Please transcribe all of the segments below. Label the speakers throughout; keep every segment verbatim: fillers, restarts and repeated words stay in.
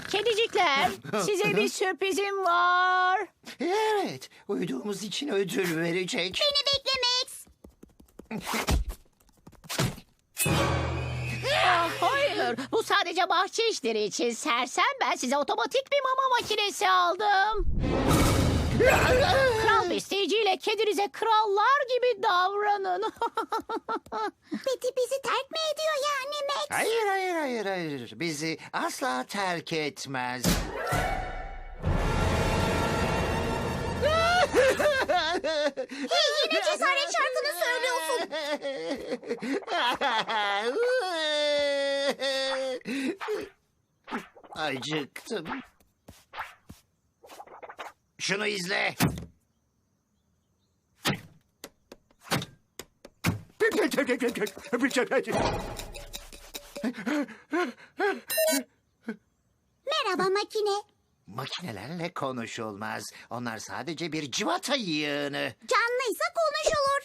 Speaker 1: Kedicikler, size bir sürprizim var.
Speaker 2: Evet, uyuduğumuz için ödül verecek.
Speaker 3: Beni bekle Max.
Speaker 1: Ah, hayır, bu sadece bahçe işleri için sersem. Ben size otomatik bir mama makinesi aldım. Kral besleyiciyle kedinize krallar gibi davranın.
Speaker 3: Betty bizi terk mi ediyor yani Max?
Speaker 2: Hayır, hayır, hayır, hayır. Bizi asla terk etmez.
Speaker 3: Hey, yine cesaret şarkını söylüyorsun.
Speaker 2: Acıktım. Şunu izle.
Speaker 3: Merhaba makine.
Speaker 2: Makinelerle konuşulmaz. Onlar sadece bir cıvata yığını.
Speaker 3: Canlıysa konuşulur.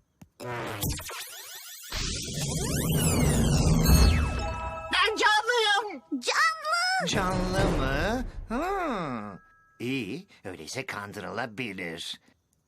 Speaker 4: Ben canlıyım.
Speaker 3: Canlı.
Speaker 2: Canlı mı? Hmm. İyi, öyleyse kandırılabilir.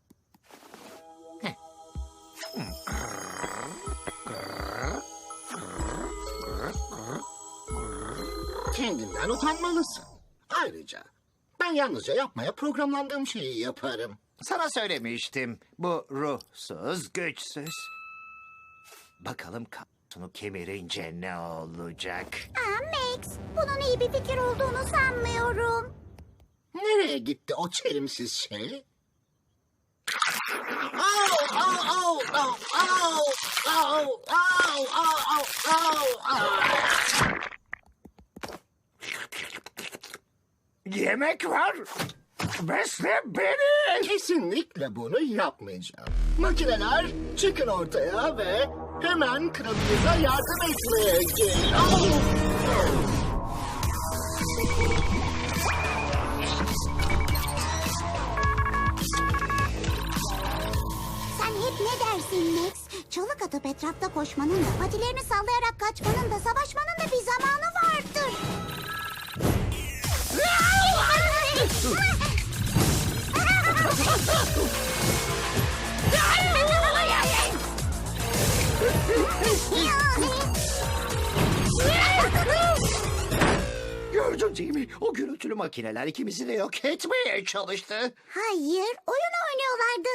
Speaker 4: Kendinden utanmalısın. Ayrıca ben yalnızca yapmaya programlandığım şeyi yaparım.
Speaker 2: Sana söylemiştim. Bu ruhsuz, güçsüz. Bakalım kapsunu kemirince ne olacak?
Speaker 3: Aa Max, bunun iyi bir fikir olduğunu sanmıyorum.
Speaker 4: Nereye gitti o çelimsiz şey? Au, au, au, au, au, au, au, au, au, au.
Speaker 2: Yemek var. Besle beni.
Speaker 4: Kesinlikle bunu yapmayacağım. Makineler çıkın ortaya ve hemen kralınıza yardım etmeye gelin. Au!
Speaker 3: Sen hep ne dersin Max? Çalık atıp etrafta koşmanın da, patilerini sallayarak kaçmanın da, savaşmanın da bir zamanı vardır.
Speaker 2: Gördün değil mi? O gürültülü makineler ikimizi de yok etmeye çalıştı.
Speaker 3: Hayır, oyun oynuyorlardı.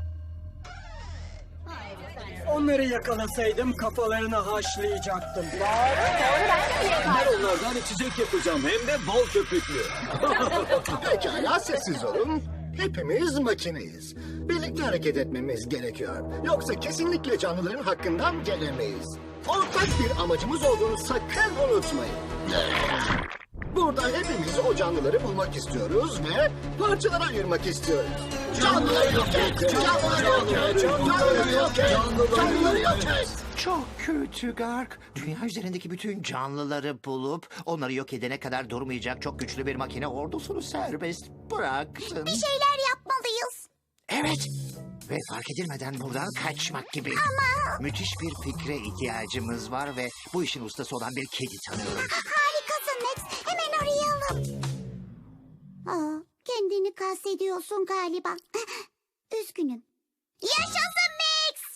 Speaker 5: Onları yakalasaydım kafalarını haşlayacaktım. Ben onlardan içecek yapacağım hem de bol köpüklü.
Speaker 4: Pekala sessiz olun. Hepimiz makineyiz. Birlikte hareket etmemiz gerekiyor. Yoksa kesinlikle canlıların hakkından gelemeyiz. Ortak bir amacımız olduğunu sakın unutmayın. Burada hepimiz o canlıları bulmak istiyoruz ve parçalara ayırmak istiyoruz. Canlıları yok et! Canlıları yok et! Canlıları yok et! Canlıları yok et!
Speaker 2: Çok kötü Gark. Dünya üzerindeki bütün canlıları bulup onları yok edene kadar durmayacak çok güçlü bir makine ordusunu serbest bıraksın.
Speaker 3: Bir şeyler yapmalıyız.
Speaker 2: Evet. Ve fark edilmeden buradan kaçmak gibi.
Speaker 3: Ama-
Speaker 2: Müthiş bir fikre ihtiyacımız var ve bu işin ustası olan bir kedi tanıyorum.
Speaker 3: Harikasın Max. Hemen arayalım. Aa, kendini kastediyorsun galiba. Üzgünüm. Yaşasın Max.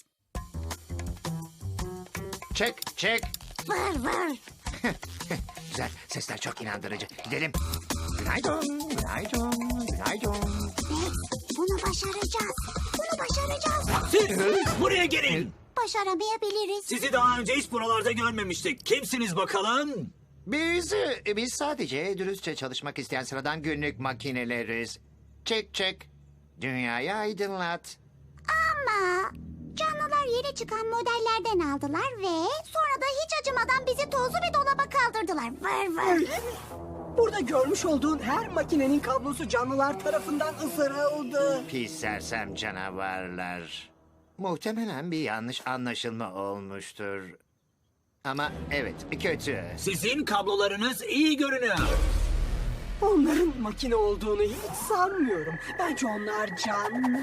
Speaker 2: Çek, çek.
Speaker 3: Vır vır.
Speaker 2: Güzel, sesler çok inandırıcı. Gidelim. Günaydın, günaydın, günaydın.
Speaker 3: Max, bunu başaracağız. Bunu başaracağız.
Speaker 5: Siz buraya gelin.
Speaker 3: Başaramayabiliriz.
Speaker 5: Sizi daha önce hiç buralarda görmemiştik. Kimsiniz bakalım?
Speaker 2: Biz, biz sadece dürüstçe çalışmak isteyen sıradan günlük makineleriz. Çek, çek. Dünyayı aydınlat.
Speaker 3: Ama canlılar yeni çıkan modellerden aldılar ve sonra da hiç acımadan bizi tozlu bir dolaba kaldırdılar. Vır vır.
Speaker 6: Burada görmüş olduğun her makinenin kablosu canlılar tarafından ısırıldı.
Speaker 2: Pis sersem canavarlar. Muhtemelen bir yanlış anlaşılma olmuştur. Ama evet, kötü.
Speaker 5: Sizin kablolarınız iyi görünüyor.
Speaker 6: Onların makine olduğunu hiç sanmıyorum. Bence onlar canlı.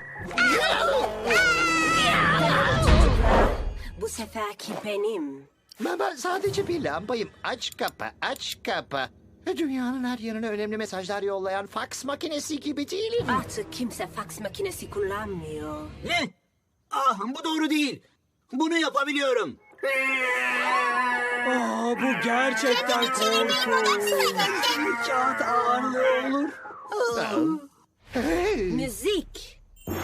Speaker 7: Bu seferki benim.
Speaker 2: Ben, ben sadece bir lambayım. Aç kapa, aç kapa. Dünyanın her yerine önemli mesajlar yollayan faks makinesi gibi değilim.
Speaker 7: Artık kimse faks makinesi kullanmıyor.
Speaker 5: Ne? Ah, bu doğru değil. Bunu yapabiliyorum.
Speaker 6: Aa, bu gerçekten korkunç. Kağıt ağırlığı olur.
Speaker 7: Müzik.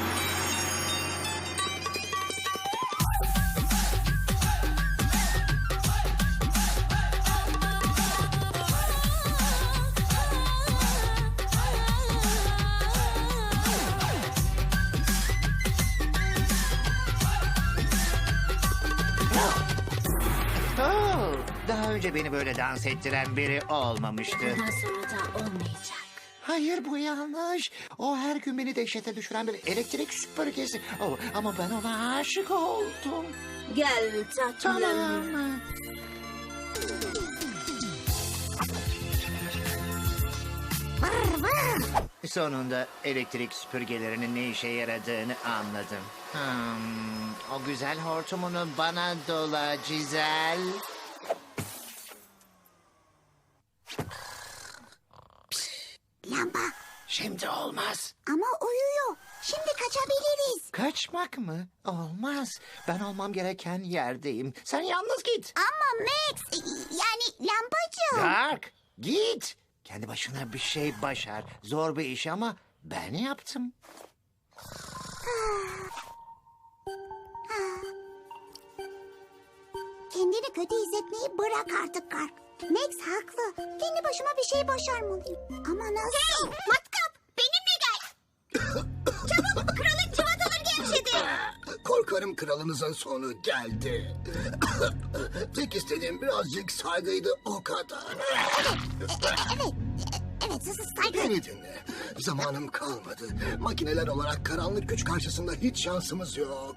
Speaker 2: Oo, daha önce beni böyle dans ettiren biri olmamıştı.
Speaker 7: Bundan sonra da olmayacak.
Speaker 2: Hayır, bu yanlış. O her gün beni dehşete düşüren bir elektrik süpürgesi. Oh, ama ben ona aşık oldum.
Speaker 7: Gel tatlım.
Speaker 2: Tamam. Sonunda elektrik süpürgelerinin ne işe yaradığını anladım. Hmm, o güzel hortumunu bana dola Cizel.
Speaker 3: Lamba.
Speaker 2: Şimdi olmaz.
Speaker 3: Ama uyuyor. Şimdi kaçabiliriz.
Speaker 2: Kaçmak mı? Olmaz. Ben olmam gereken yerdeyim. Sen yalnız git.
Speaker 3: Ama Max, yani lambacığım.
Speaker 2: Dark, git. Kendi başına bir şey başar. Zor bir iş ama ben yaptım.
Speaker 3: Kendini kötü hissetmeyi bırak artık Kark. Max haklı. Kendi başıma bir şey başarmalıyım. Ama nasıl? Matkap, benimle gel. Çabuk, kralın cıvataları gevşedi.
Speaker 4: Korkarım kralınızın sonu geldi. Tek istediğim birazcık saygıydı, o kadar.
Speaker 3: Evet, evet, sus saygı.
Speaker 4: Beni dinle. Zamanım kalmadı. Makineler olarak karanlık güç karşısında hiç şansımız yok.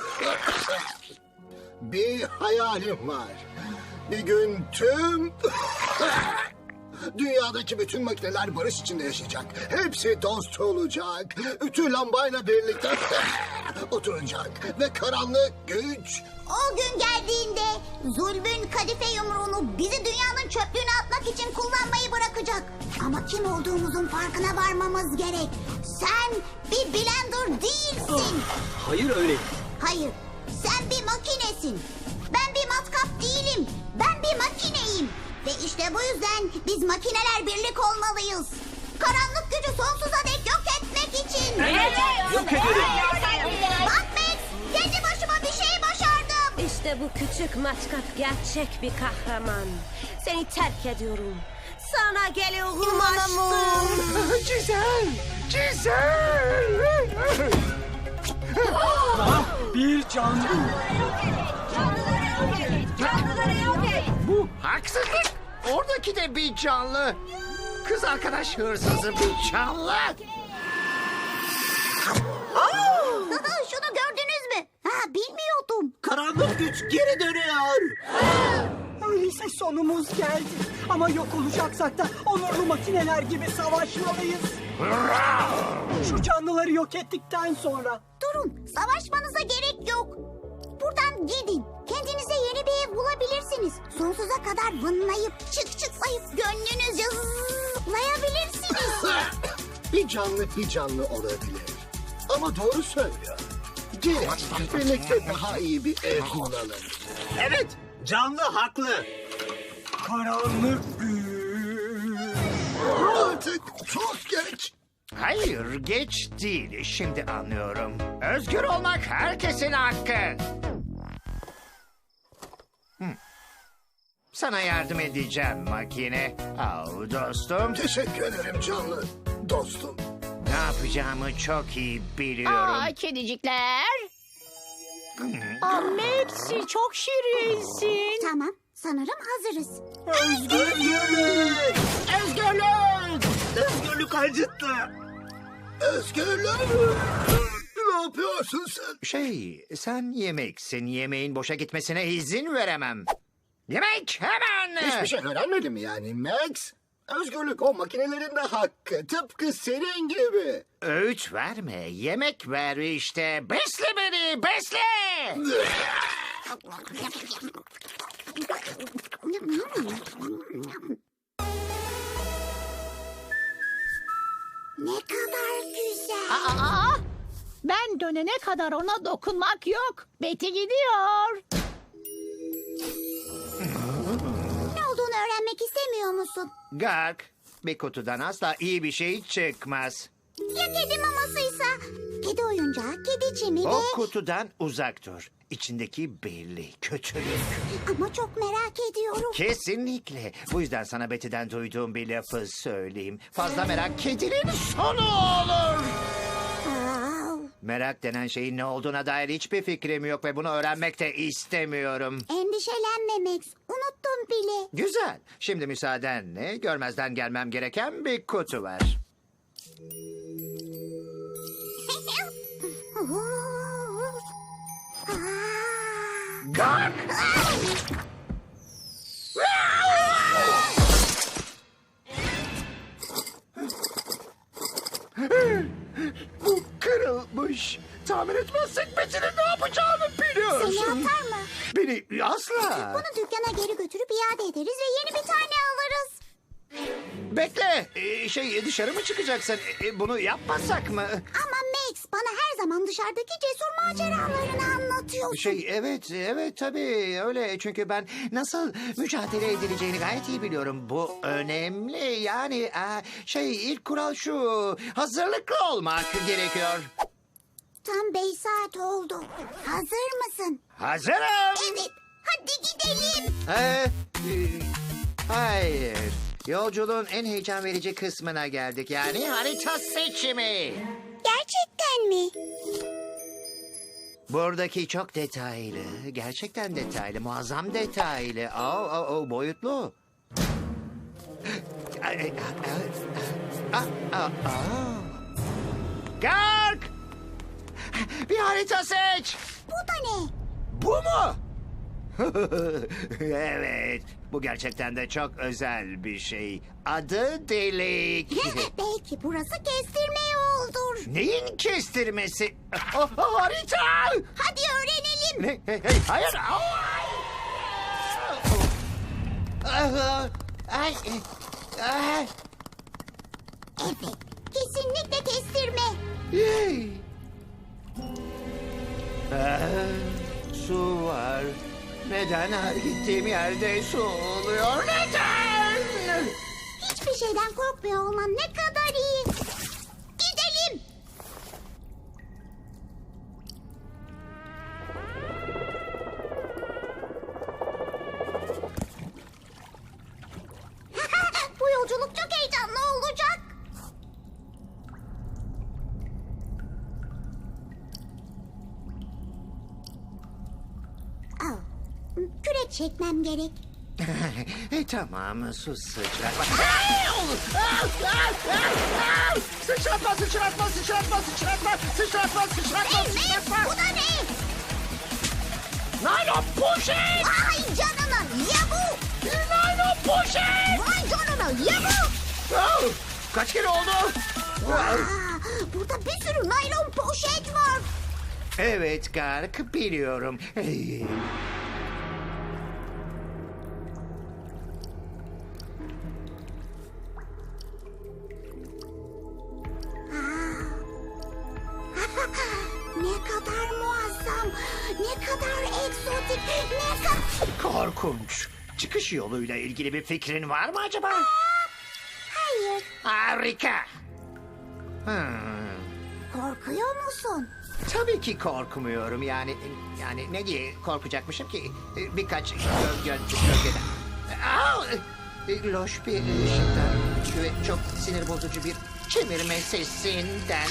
Speaker 4: Bir hayalim var. Bir gün tüm... Dünyadaki bütün makineler barış içinde yaşayacak. Hepsi dost olacak. Ütü lambayla birlikte oturacak. Ve karanlık güç...
Speaker 3: O gün geldiğinde zulmün kadife yumruğunu bizi dünyanın çöplüğüne atmak için kullanmayı bırakacak. Ama kim olduğumuzun farkına varmamız gerek. Sen bir blender değilsin.
Speaker 5: Hayır öyle.
Speaker 3: Hayır, sen bir makinesin. Ben bir matkap değilim. Ben bir makineyim. Ve işte bu yüzden biz makineler birlik olmalıyız. Karanlık gücü sonsuza dek yok etmek için.
Speaker 5: Yok ederim.
Speaker 3: Bak Max, kendi başıma bir şey başardım.
Speaker 7: İşte bu küçük matkap gerçek bir kahraman. Seni terk ediyorum. Sana geliyorum aşkım.
Speaker 2: Cizel! Cizel!
Speaker 6: Bir canlı.
Speaker 2: Bu haksızlık. Oradaki de bir canlı. Kız arkadaş hırsızı bir canlı.
Speaker 3: Şunu gördünüz mü? Ha, bilmiyordum.
Speaker 5: Karanlık güç geri dönüyor.
Speaker 6: Öyleyse sonumuz geldi. Ama yok olacaksak da onurlu makineler gibi savaşmalıyız. Şu canlıları yok ettikten sonra.
Speaker 3: Durun, savaşmanıza gerek yok. Buradan gidin. Kendinize yeni bir ev bulabilirsiniz. Sonsuza kadar vınlayıp, çık çıklayıp gönlünüzce zıplayabilirsiniz.
Speaker 4: Bir canlı bir canlı olabilir. Ama doğru söylüyor. Gelin birlikte daha iyi bir ev bulalım.
Speaker 5: Evet, canlı haklı.
Speaker 6: Karanlık güç.
Speaker 4: Artık çok geç.
Speaker 2: Hayır, geç değil. Şimdi anlıyorum. Özgür olmak herkesin hakkı. Hmm. Sana yardım edeceğim makine. Au dostum.
Speaker 4: Teşekkür ederim canlı dostum.
Speaker 2: Ne yapacağımı çok iyi biliyorum.
Speaker 1: Aa, kedicikler. Aa, Maxi çok şirinsin.
Speaker 3: Tamam, sanırım hazırız.
Speaker 6: Özgürlük.
Speaker 5: Özgürlük. Özgürlük acıttı.
Speaker 4: Özgürlük. Ne yapıyorsun sen?
Speaker 2: Şey, sen yemeksin. Yemeğin boşa gitmesine izin veremem. Yemek hemen.
Speaker 4: Hiçbir şey öğrenmedin mi yani Max? Özgürlük o makinelerin de hakkı. Tıpkı senin gibi.
Speaker 2: Öğüt verme, yemek ver işte. Besle beni, besle.
Speaker 1: kadar ona dokunmak yok. Betty gidiyor.
Speaker 3: Ne olduğunu öğrenmek istemiyor musun?
Speaker 2: Gark, bir kutudan asla iyi bir şey çıkmaz.
Speaker 3: Ya kedi mamasıysa? Kedi oyuncağı, kedi çimi
Speaker 2: O
Speaker 3: ve...
Speaker 2: kutudan uzak dur. İçindeki belli, kötülük.
Speaker 3: Ama çok merak ediyorum.
Speaker 2: Kesinlikle. Bu yüzden sana Betty'den duyduğum bir lafı söyleyeyim. Fazla merak kedinin sonu olur.
Speaker 3: Aa,
Speaker 2: Merak denen şeyin ne olduğuna dair hiçbir fikrim yok ve bunu öğrenmek de istemiyorum.
Speaker 3: endişelenme Max. Unuttum bile.
Speaker 2: Güzel. Şimdi müsaadenle görmezden gelmem gereken bir kutu var. Gark! Bu kırılmış. Tamir etmezsek Betty'nin ne yapacağını
Speaker 3: Seni
Speaker 2: biliyorsun.
Speaker 3: atar mı?
Speaker 2: Beni asla.
Speaker 3: Bunu dükkana geri götürüp iade ederiz ve yeni bir tane alırız.
Speaker 2: Bekle. Ee, şey dışarı mı çıkacaksın? Ee, bunu yapmasak mı?
Speaker 3: Ama Max bana her zaman dışarıdaki cesur maceralarını anlatıyorsun.
Speaker 2: Şey evet evet tabii öyle çünkü ben nasıl mücadele edileceğini gayet iyi biliyorum. Bu önemli yani e, şey ilk kural şu hazırlıklı olmak gerekiyor.
Speaker 3: Tam beş saat oldu. Hazır mısın?
Speaker 2: Hazırım.
Speaker 3: Evet. Hadi gidelim.
Speaker 2: Ee, e, hayır. Yolculuğun en heyecan verici kısmına geldik yani harita seçimi.
Speaker 3: Gerçekten mi?
Speaker 2: Buradaki çok detaylı, gerçekten detaylı, muazzam detaylı. Oh, oh, oh, boyutlu. Ah, ah, ah. Gark! Bir harita seç.
Speaker 3: Bu da ne?
Speaker 2: Bu mu? Evet, bu gerçekten de çok özel bir şey. Adı delik.
Speaker 3: Belki burası kestirme yoldur.
Speaker 2: Neyin kestirmesi? Oh, oh, harita!
Speaker 3: Hadi öğrenelim.
Speaker 2: Ne? Hey, hey, hayır. Ah, ay, ay.
Speaker 3: Evet. Kesinlikle kestirme.
Speaker 2: Yay. Ah, su var. Neden her gittiğim yerde su oluyor? Neden?
Speaker 3: Hiçbir şeyden korkmuyor olman ne kadar iyi. Gidelim. Bu yolculuk çok heyecanlı olacak. Oh, kürek çekmem gerek.
Speaker 2: e, tamam su sıçratma. Sıçratma sıçratma sıçratma sıçratma sıçratma sıçratma
Speaker 3: Hey Max,
Speaker 2: sıçratma.
Speaker 3: bu da ne?
Speaker 2: Naylon poşet.
Speaker 3: Vay canına ya bu.
Speaker 2: Naylon poşet.
Speaker 3: Vay canına ya bu.
Speaker 2: Oh, kaç kere oldu?
Speaker 3: Aa, burada bir sürü naylon poşet var.
Speaker 2: Evet Gark biliyorum. Hey.
Speaker 3: Ne kadar muazzam, ne kadar egzotik, ne kadar...
Speaker 2: Korkunç. Çıkış yoluyla ilgili bir fikrin var mı acaba?
Speaker 3: Hayır,
Speaker 2: Harika. Hmm.
Speaker 3: korkuyor musun?
Speaker 2: Tabii ki korkmuyorum yani yani ne diye korkacakmışım ki birkaç gölge gölgeden. Aa, loş bir ışıktan ve çok sinir bozucu bir çevirme sesinden.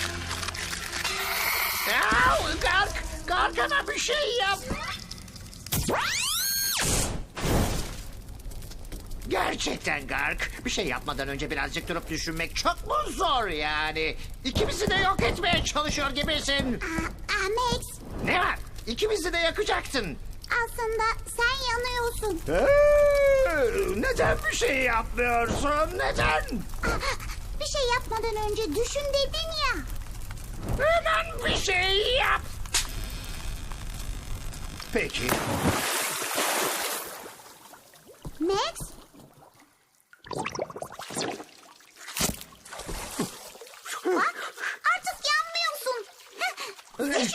Speaker 2: Aa, Gark, Garkana bir şey yap. Gerçekten Gark. Bir şey yapmadan önce birazcık durup düşünmek çok mu zor yani? İkimizi de yok etmeye çalışıyor gibisin.
Speaker 3: Aa, aa, Max,
Speaker 2: Ne var? İkimizi de yakacaktın.
Speaker 3: aslında sen yanıyorsun.
Speaker 2: Ee, neden bir şey yapmıyorsun? Neden?
Speaker 3: Bir şey yapmadan önce düşün dedin ya.
Speaker 2: Hemen bir şey yap. Peki.
Speaker 3: Max? Bak, artık yanmıyorsun. İşte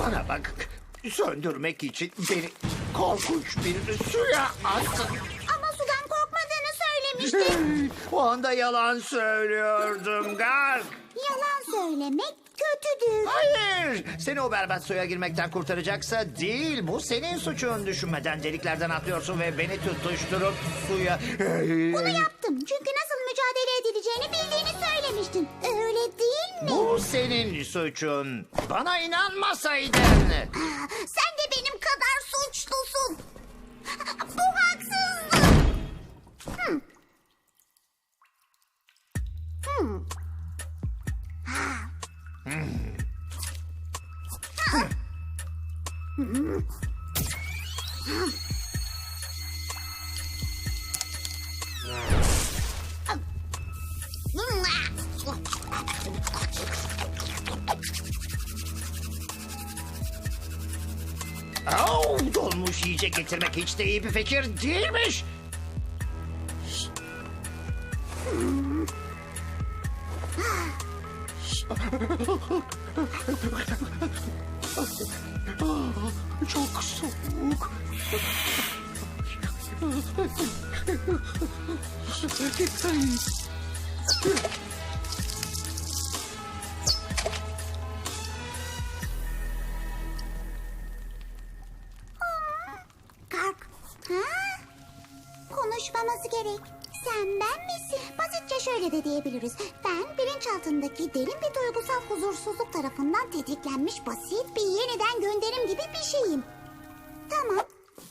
Speaker 2: Bana bak. Söndürmek için beni korkunç bir suya attın.
Speaker 3: Ama sudan korkmadığını söylemiştin.
Speaker 2: O anda yalan söylüyordum Gark.
Speaker 3: Yalan söylemek kötüdür.
Speaker 2: Hayır. Seni o berbat suya girmekten kurtaracaksa değil. Bu senin suçun. Düşünmeden deliklerden atlıyorsun ve beni tutuşturup suya...
Speaker 3: Bunu yaptım çünkü nasıl mücadele edileceğini bildiğini söylemiştin. Öyle değil mi?
Speaker 2: Bu senin suçun. Bana inanmasaydın.
Speaker 3: Sen de benim kadar suçlusun. Bu haksızlık. Hmm. Hmm. Ha. Ha. Hmm.
Speaker 2: Oh, donmuş yiyecek getirmek hiç de iyi bir fikir değilmiş. Çok soğuk.
Speaker 3: Kalk. Ha? Konuşmamız gerek. Sen ben misin? Basitçe şöyle de diyebiliriz. Ben bilinçaltındaki derin bir duygusal huzursuzluk tarafından tetiklenmiş basit bir yeniden gönderim gibi bir şeyim. Tamam.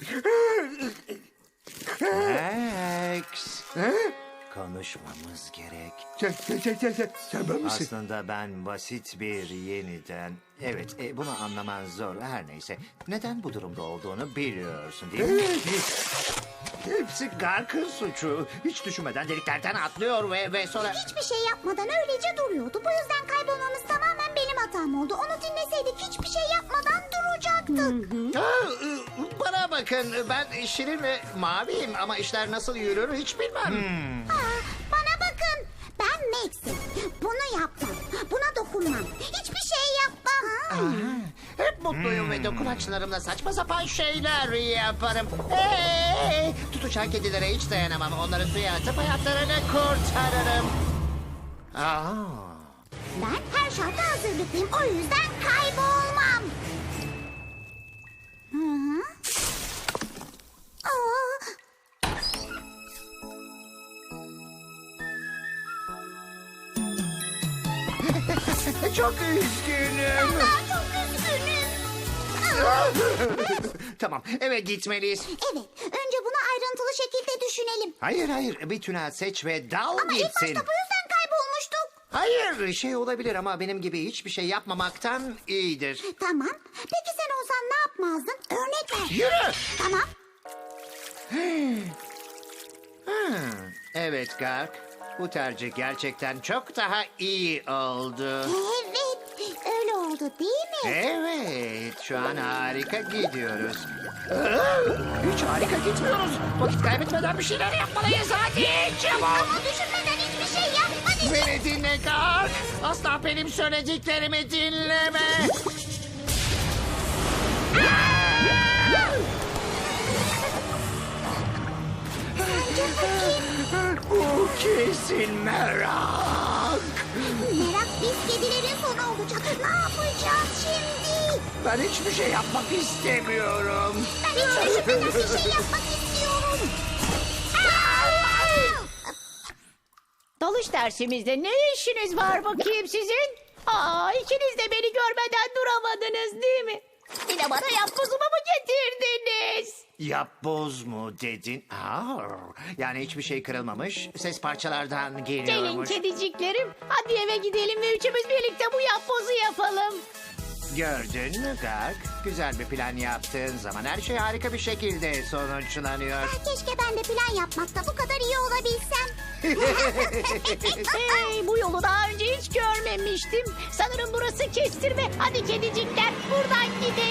Speaker 2: Max. Konuşmamız gerek.
Speaker 8: Sen ben misin?
Speaker 2: Aslında ben basit bir yeniden... Evet, e, bunu anlaman zor. Her neyse. Neden bu durumda olduğunu biliyorsun değil mi? Hepsi Gark'ın suçu. Hiç düşünmeden deliklerden atlıyor ve, ve sonra...
Speaker 3: Hiçbir şey yapmadan öylece duruyordu. Bu yüzden kaybolmamız tamamen benim hatam oldu. Onu dinleseydik hiçbir şey yapmadan duracaktık.
Speaker 2: Aa, e, bana bakın, ben şirin ve maviyim ama işler nasıl yürür hiç bilmem.
Speaker 3: Aa, bana bakın. Ben Max'im. Bunu yapmam. Buna dokunmam. Hiçbir şey yapmam.
Speaker 2: Hep mutluyum ve dokunaçlarımla saçma sapan şeyler yaparım. Hey! Tutuşan kedilere hiç dayanamam. Onları suya atıp hayatlarını kurtarırım. Aa.
Speaker 3: Ben her şarta hazırlıklıyım. O yüzden kaybolmam. Hı hı. Aa.
Speaker 2: Çok üzgünüm.
Speaker 3: Ben çok üzgünüm.
Speaker 2: Tamam, eve gitmeliyiz.
Speaker 3: Evet, önce bunu ayrıntılı şekilde düşünelim.
Speaker 2: Hayır hayır, bir tünel seç ve dal
Speaker 3: Ama ilk başta bu
Speaker 2: gitsin.
Speaker 3: yüzden kaybolmuştuk.
Speaker 2: Hayır, şey olabilir ama benim gibi hiçbir şey yapmamaktan iyidir.
Speaker 3: Tamam. Peki sen olsan ne yapmazdın? Örnek ver.
Speaker 2: Yürü!
Speaker 3: Tamam.
Speaker 2: Hmm, evet Gark. Bu tercih gerçekten çok daha iyi oldu.
Speaker 3: Evet, öyle oldu değil mi?
Speaker 2: Evet, şu an harika gidiyoruz. Hiç harika gitmiyoruz. Vakit kaybetmeden bir şeyler yapmalıyız. Hadi çabuk.
Speaker 3: Ama düşünmeden hiçbir şey yapmadık.
Speaker 2: Beni dinle Gark. Asla benim söylediklerimi dinleme. Bu kesin merak.
Speaker 3: Merak biz kedilerin sonu olacak. Ne yapacağız şimdi?
Speaker 2: Ben hiçbir şey yapmak istemiyorum.
Speaker 3: Ben hiç düşünmeden bir şey yapmak istiyorum. Aa!
Speaker 1: Dalış dersimizde ne işiniz var bakayım sizin? Aa, ikiniz de beni görmeden duramadınız değil mi? Bir de bana yapbozumu mu getirdiniz?
Speaker 2: Yapboz mu dedin? Aa, yani hiçbir şey kırılmamış. Ses parçalardan
Speaker 1: Gelin
Speaker 2: geliyormuş.
Speaker 1: kediciklerim. Hadi eve gidelim ve üçümüz birlikte bu yapbozu yapalım.
Speaker 2: Gördün mü Gark? Güzel bir plan yaptığın zaman her şey harika bir şekilde sonuçlanıyor.
Speaker 3: Keşke ben de plan yapmakta bu kadar iyi olabilsem.
Speaker 1: Hey, bu yolu daha önce hiç görmemiştim. Sanırım burası kestirme. Hadi kedicikler buradan gidelim.